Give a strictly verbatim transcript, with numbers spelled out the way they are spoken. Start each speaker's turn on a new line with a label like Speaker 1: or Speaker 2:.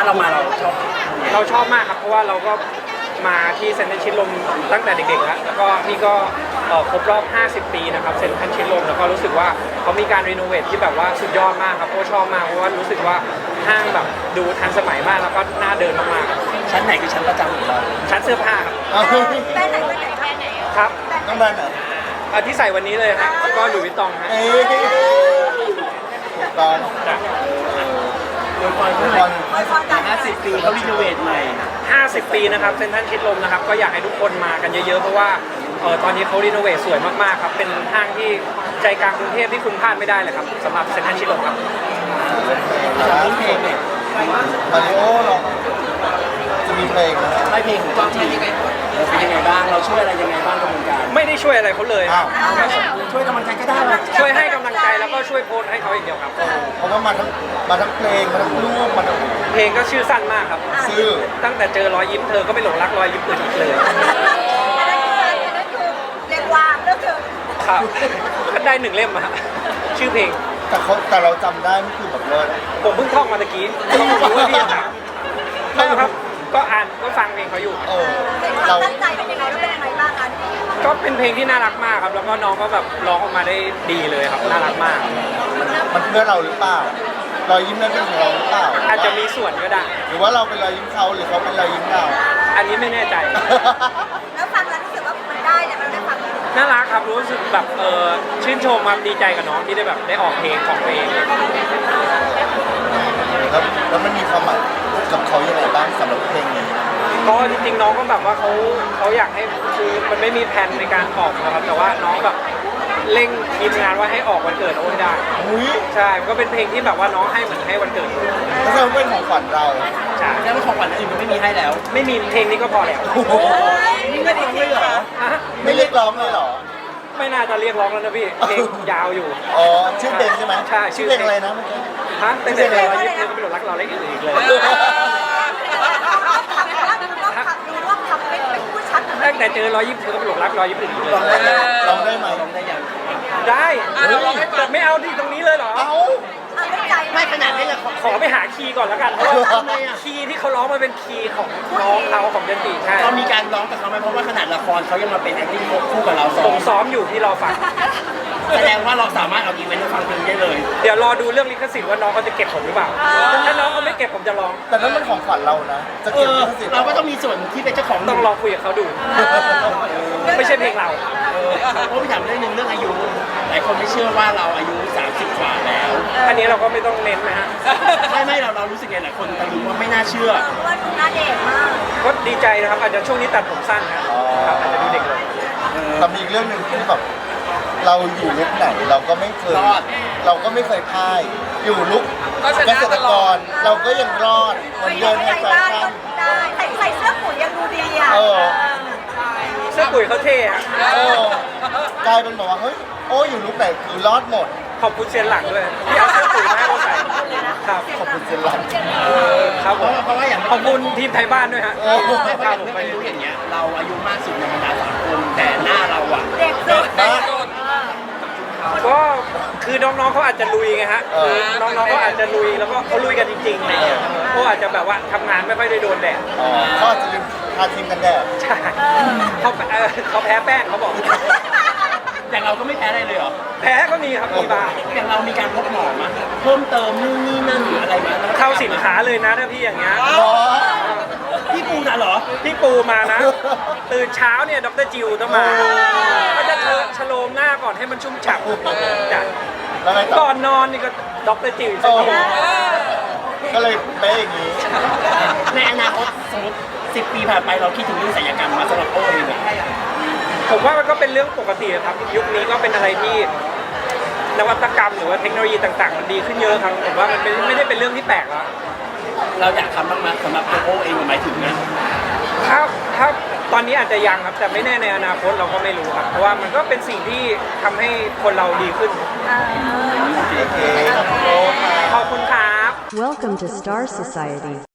Speaker 1: าเรามาเราชอบ
Speaker 2: เราชอบมากครับเพราะว่าเราก็มาที่เซ็นทรัลชิดลมตั้งแต่เด็กๆแล้วแล้วก็นี่ก็ครบรอบห้าสิบปีนะครับเซ็นทรัลชิดลมแล้วก็รู้สึกว่าเขามีการรีโนเวทที่แบบว่าสุดยอดมากครับโอ้ชอบมากเพราะว่ารู้สึกว่าห้างแบบดูทันสมัยมากแล้วก็น่าเดินมากๆ
Speaker 1: ชั้นไหนคือชั้นประจำของเรา
Speaker 2: ชั้นเสื้อผ้าครับ
Speaker 3: แบรนด์ไหนแบรนด์ไหนแบรนด์ไหน
Speaker 2: ครับ
Speaker 3: ต้องแบรนด์ไหน
Speaker 2: ที่ใส่วันนี้เลยฮะก็หลุยส์วิตตองฮะ
Speaker 3: ตอง
Speaker 2: จ้ะ
Speaker 1: อวยพรเพื่อนห้าสิบปีเขารีโนเวทใหม่
Speaker 2: ห้าสิบปีนะครับเซ็นทรัลชิดลมนะครับก็อยากให้ทุกคนมากันเยอะๆเพราะว่าเออตอนนี้เขารีโนเวทสวยมากๆครับเป็นห้างที่ใจกลางกรุงเทพที่คุณพลาดไม่ได้เลยครับสำหรับเซ็นทรัลชิดลมครับ
Speaker 1: มีเพลงเนี่ย
Speaker 3: มาริโอเราจะมีเพลงนะ
Speaker 1: ไม่เพลงของจริงเป็นยังไงบ้างเราช่วยอะไรยังไงบ้างกับวงการ
Speaker 2: ไม่ได้ช่วยอะไรเขาเลยครับ
Speaker 1: ช่วยกำลังใจก็ได้
Speaker 2: ช่วยให้กำลังใจแล้วก็ช่วยโพสให้เขาอย่างเดียวครับ
Speaker 3: เพราะว่ามาทั้งมาทั้งเพลงมาทั้งรูปมาทั้ง
Speaker 2: เพลงก็ชื่อสั้นมากครับ
Speaker 3: ชื่อ
Speaker 2: ตั้งแต่เจอรอยยิ้มเธอก็ไม่หลงรักรอยยิ้มอื่นอีกเลย
Speaker 3: เรียกว่าเลิกเถอะ
Speaker 2: ครับก็ได้หนึ่งเล่มอะชื่อเพลง
Speaker 3: แต่เขาแต่เราจำได้ไม่คือแบบเลิศ
Speaker 2: ผมเพิ่งท่องมาตะกี้ก็ไม่รู้ว่าพี่จะไม่รู้ครับก็อ่านก็ฟังเพลงเขาอยู่
Speaker 3: เออเราตั้งใจเป็นยังไงเป็นยังไงบ้างกัน
Speaker 2: ก็เป็นเพลงที่น่ารักมากครับแล้วก็น้องก็แบบร้องออกมาได้ดีเลยครับน่ารักมาก
Speaker 3: มันเพื่อเราหรือเปล่ารอยยิ้มนั้นเป็นของเราหรือเปล่า
Speaker 2: อาจจะมีส่วนก็ได้
Speaker 3: หรือว่าเราเป็นรอยยิ้มเขาหรือเขาเป็นรอยยิ้มเรา
Speaker 2: อันนี้ไม่แน่ใจ
Speaker 3: แล้วฟังแล้วรู้สึกว่ามันได้เนี่ยมันได้ฟัง
Speaker 2: น่ารักครับรู้สึกแบบเออชื่นชมครับดีใจกับน้องที่ได้แบบได้ออกเพลงของตัวเอง
Speaker 3: แล้วแล้วมันมีความหมายกับเขายังไงบ้างสำหรับเพลงนี้
Speaker 2: ก็จริงๆน้องก็แบบว่าเขาเขาอยากให้คือมันไม่มีแผนในการออกนะครับแต่ว่าน้องแบบเร่งทีมงานว่าให้ออกวันเกิดโอ้ได้ใช่ก็เป็นเพลงที่แบบว่าน้องให้เหมือนให้วันเกิด
Speaker 3: แล้วเราเป็นของขวัญเรา
Speaker 2: ใช่
Speaker 1: แล้วของขวัญอื่นมันไม่มีให้แล้ว
Speaker 2: ไม่มีเพลงนี้ก็พอแล้ว
Speaker 1: นี่ไม่ได้ร้องเลยเหรอ
Speaker 3: ไม่เรียกร้องเลยเหรอ
Speaker 2: ไม่น่าจะเรียกร้องแล้วนะพี่เพลงยาวอยู่
Speaker 3: อ๋อชื่อเพลงใช่ไหม
Speaker 2: ใช่
Speaker 3: ชื่อเพลงอะไรนะเมื่อกี้
Speaker 2: ฮะเป็นเพลงอะไรเรายึดเธอก็ไม่หลงรักเราเล็กอื่นอีกเลยตั้งแต่เจอรอยยิ้มเธอก็ไม่หลงรักรอยยิ้มอื่นอีกเลย
Speaker 3: ลองได้ไหม
Speaker 1: ลองได้ยัง
Speaker 2: ได้แต่ไม่เอาที่ตรงนี้เลยเหรอ
Speaker 3: เอา
Speaker 1: ไม่ขนาดนี้เลย
Speaker 2: ขอไปหาคีย์ก่อนแล้วกันเพราะว่าคีย์ที่เขาร้องมันเป็นคีย์ของน้องเขาของยันติใช่
Speaker 1: เรามีการร้องกับเขาไหมเพราะว่าขนาดละครเขายังมาเป็น acting คู่กับเรา
Speaker 2: ผมซ้อมอยู่ที่รอฟัง
Speaker 1: แสดงว่าเราสามารถเอาอีเวนต์มาฟังเพลงได้เลย
Speaker 2: เดี๋ยวรอดูเรื่องลิขสิทธิ์ว่าน้องเขาจะเก็บผมหรือเปล่าถ้าน้องเขาไม่เก็บผมจะร้อง
Speaker 3: แต่นั่นมันของขวัญเรานะจะเก็บลิขสิทธิ์
Speaker 1: เราก็ต้องมีส่วนที่เป็นเจ้าของ
Speaker 2: ต้องลองคุยกับเขาดูไม่ใช่เพลงเรา
Speaker 1: เพราะพี่ถามเรื่องนึงเรื่องอายุหลายคนไม่เชื่อว่าเราอายุสามสิบกว่าแล้ว
Speaker 2: อันนี้เราก็ไม่ต้องเน้นนะฮะ
Speaker 1: ไม่ไม่เราเรารู้สึกไงหลายคนตะลึงว่าไม่น่าเชื่อ
Speaker 3: ว่าดูหน้าเด็กมาก
Speaker 2: ก็ดีใจนะครับอาจจะช่วงนี้ตัดผมสั้นนะครับอาจจะดูเด็กลง
Speaker 3: แต่มีอีกเรื่องหนึ่งที่แบบเราอยู่ลุกไหนเราก็ไม่เคยเราก็ไม่เคยพ่ายอยู่ลุกเกษตรกรเราก็ยังรอดมันเดินในแฟชั่นได้ใส่ใส่เสื้อปุ๋ยยังดูดีอ่ะ
Speaker 2: เสื้อปุ๋ยเขาเท่อะ
Speaker 3: กลายเป็นบอกว่าเฮ้ยโอ้อยู่ลุกไหนคือรอดหมด
Speaker 2: ขอบคุณเซียนหลังด้วยที่เอาเสื้อปุ๋ยมาให้เราใส่ครับ
Speaker 3: ขอบคุณเซียนหลัง
Speaker 2: ครับผมเพราะว่าอย่างขอบคุณทีมไทยบ้านด้วยฮะ
Speaker 1: ครับผมไม่รู้อย่างเงี้ยเราอายุมากสุดในบรรดาสามคนแต่หน้าเราอ่ะ
Speaker 3: เด็กสุด
Speaker 2: ก็คือน้องๆเขาอาจจะลุยไงฮะคือน้องๆเขาอาจจะลุยแล้วก็เขาลุยกันจริงๆอะไรเงี้ยเขาอาจจะแบบว่าทำงานไม่ค่อยได้โดนแดด
Speaker 3: เขาอาจจะลืมทาครีมกันแดด
Speaker 2: ใช่เขาเขาแพ้แป้งเขาบอก
Speaker 1: อย่างเราก็ไม่แพ้อะไรเลยเหรอ
Speaker 2: แพ้ก็มีครับมีบ้าง
Speaker 1: อย่างเรามีการพบหมอมาเพิ่มเติมนู่นนี่นั่นหรืออะไรมา
Speaker 2: เข้าสินค้าเลยนะถ้าพี่อย่างเงี้ย
Speaker 1: พี่ปูน่ะเหรอ
Speaker 2: พี่ปูมานะตื่นเช้าเนี่ยดรจิวต้องมาก็จะชโลมหน้าก่อนให้มันชุ่มฉ่ำจ้ะก่อนนอนนี่ก็ดรจิว
Speaker 3: ก็เลยเป๊ะอย่างนี้
Speaker 1: ในอนาคตสมมติสิบปีผ่านไปเราคิดถึงเรื่องศัลยกรรมมาสำหรับโอ้ยเลย
Speaker 2: ผมว่ามันก็เป็นเรื่องปกติครับยุคนี้ก็เป็นอะไรที่นวัตกรรมหรือว่าเทคโนโลยีต่างๆมันดีขึ้นเยอะครับผมว่ามันไม่ได้เป็นเรื่องที่แปลกแล้ว
Speaker 1: เราอยากทำบ้างไหมสำหรับโอ้เองหมายถึงนะ
Speaker 2: ถ้าถ้าตอนนี้อาจจะยังครับแต่ไม่แน่ในอนาคตเราก็ไม่รู้ครับเพราะว่ามันก็เป็นสิ่งที่ทำให้คนเราดีขึ้น
Speaker 3: โอเค
Speaker 2: ขอบคุณครับ
Speaker 4: Welcome to Star Society